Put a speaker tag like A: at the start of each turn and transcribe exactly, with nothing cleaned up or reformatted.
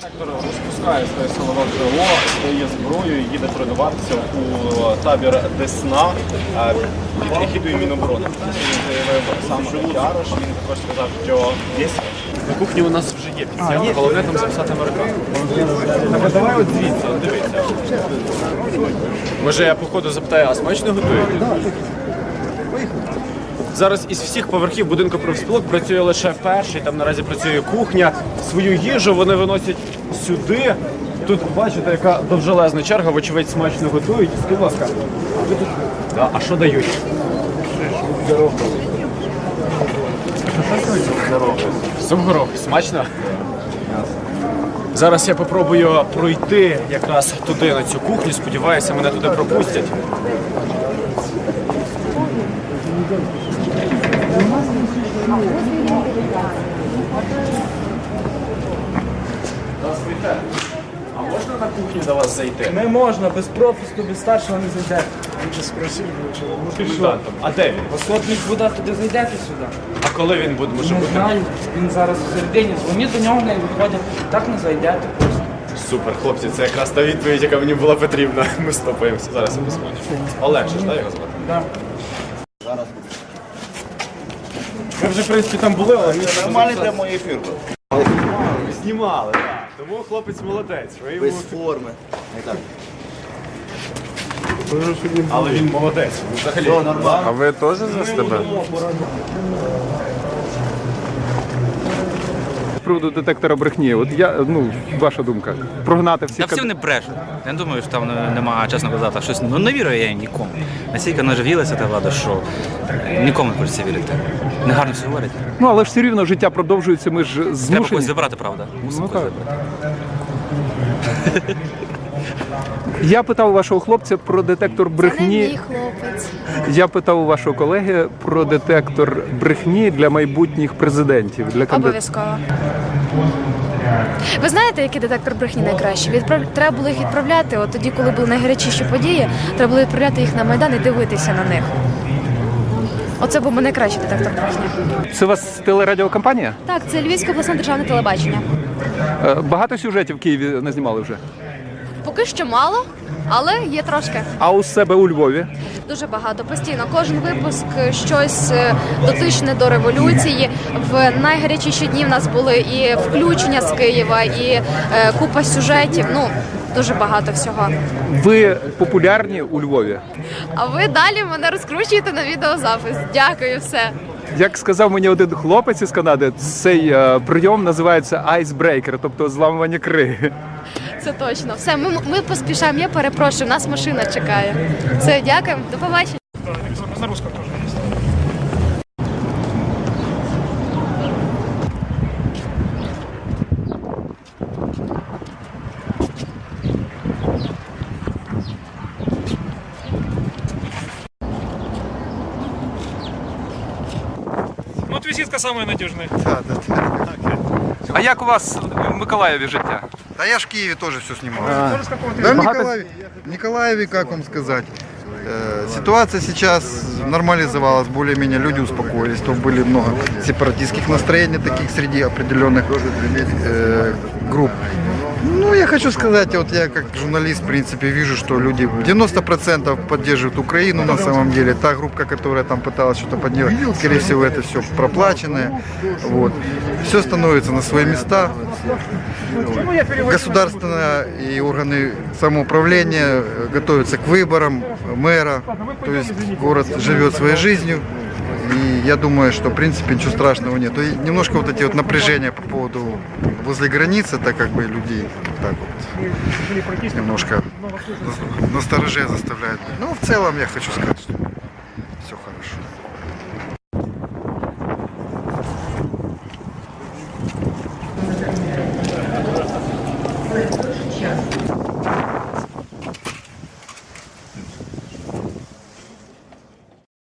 A: Директор розпускає своє силове крило, стає зброєю, їде тренуватися у табір Десна під егідою Міноборони. Він заявив сам Ярош, він також сказав, що на кухні у нас вже є підсяга, головне там записати американку. Так, а давай от звідси, от дивіться. Може я походу запитаю, а смачно готуєте? Зараз із всіх поверхів будинку профспілок працює лише перший, там наразі працює кухня. Свою їжу вони виносять сюди. Тут бачите, яка довжелезна черга, вочевидь смачно готують. Скажіть, будь ласка, а ви тут... Да, а що дають? Суп горох. Смачно? Зараз я попробую пройти якраз туди, на цю кухню. Сподіваюся, мене туди пропустять. Здравствуйте. А можна на кухню до вас зайти?
B: Не можна, без пропуску, без старшого не зайдете. Він же спросив,
A: Комендантом. А де він?
B: Посотник буде, туди зайдете сюди.
A: А коли він буде? Може
B: Не
A: бути?
B: знаю, він зараз всередині. Дзвоніть до нього, не виходять. Так не зайдете просто.
A: Супер, хлопці, це якраз та відповідь, яка мені була потрібна. Ми стопаємося. Зараз я посмотрю. Олег, ж, так його звати?
B: Да.
A: Зараз. Ми вже, в принципі, там були, але ми
C: Нормальний прямий ефір.
A: знімали, так. Тому хлопець молодець. Ви йому...
C: Без форми. Не так.
A: Але він молодець. Він взагалі.
C: Все нормально.
D: А ви теж за СТБ? З приводу детектора брехні, от я, ну, ваша думка, прогнати всі...
E: Та всі вони брешуть. Я не думаю, що там немає, чесно казати, щось. Ну не вірю я нікому. Настільки наживілася та влада, що нікому не хочеться вірити. Негарно все говорять.
D: Ну, але ж все рівно життя продовжується, ми ж
E: Треба
D: змушені...
E: когось забрати, правда. Мусимо
D: Ну,
E: когось
D: так.
E: забрати.
D: Я питав у вашого хлопця про детектор
F: Це не
D: брехні.
F: мій хлопець.
D: Я питав у вашого колеги про детектор брехні для майбутніх президентів. Для кандидатів.
F: Обов'язково. Ви знаєте, який детектор брехні найкращий? Відправ... Треба було їх відправляти, от тоді, коли були найгарячіші події, треба було відправляти їх на Майдан і дивитися на них. Оце був би найкращий детектор брехні.
D: Це у вас телерадіокомпанія?
F: Так, це Львівське обласне державне телебачення.
D: Е, Багато сюжетів в Києві не знімали вже.
F: Поки що мало, але є трошки.
D: А у себе у Львові?
F: Дуже багато, постійно. Кожен випуск щось е, дотичне до революції. В найгарячіші дні в нас були і включення з Києва, і е, купа сюжетів. Ну, дуже багато всього.
D: Ви популярні у Львові?
F: А ви далі мене розкручуєте на відеозапис. Дякую, все.
D: Як сказав мені один хлопець із Канади, цей е, прийом називається айсбрейкер, тобто зламування криги.
F: Це точно. Все, ми, ми поспішаємо. Я перепрошую, нас машина чекає. Все, дякуємо, до побачення.
G: Ну, вот визитка самая надежная.
H: Да, да, да.
D: А як у вас в Миколаєві життя?
H: Да я ж в Киеве тоже все снимал. Да, в Николаеве, в Николаеве, как вам сказать, э, ситуация сейчас нормализовалась, более-менее люди успокоились, то были много сепаратистских настроений таких среди определенных э, групп. Ну, я хочу сказать, вот я как журналист, в принципе, вижу, что люди девяносто процентов поддерживают Украину на самом деле. Та группа, которая там пыталась что-то поддерживать, скорее всего, это все проплаченное. Вот. Все становится на свои места. Государственные и органы самоуправления готовятся к выборам мэра. То есть город живет своей жизнью. И я думаю, что в принципе ничего страшного нет. И немножко вот эти вот напряжения по поводу возле границы, так как бы людей так вот немножко настороже заставляют. Ну, в целом я хочу сказать, что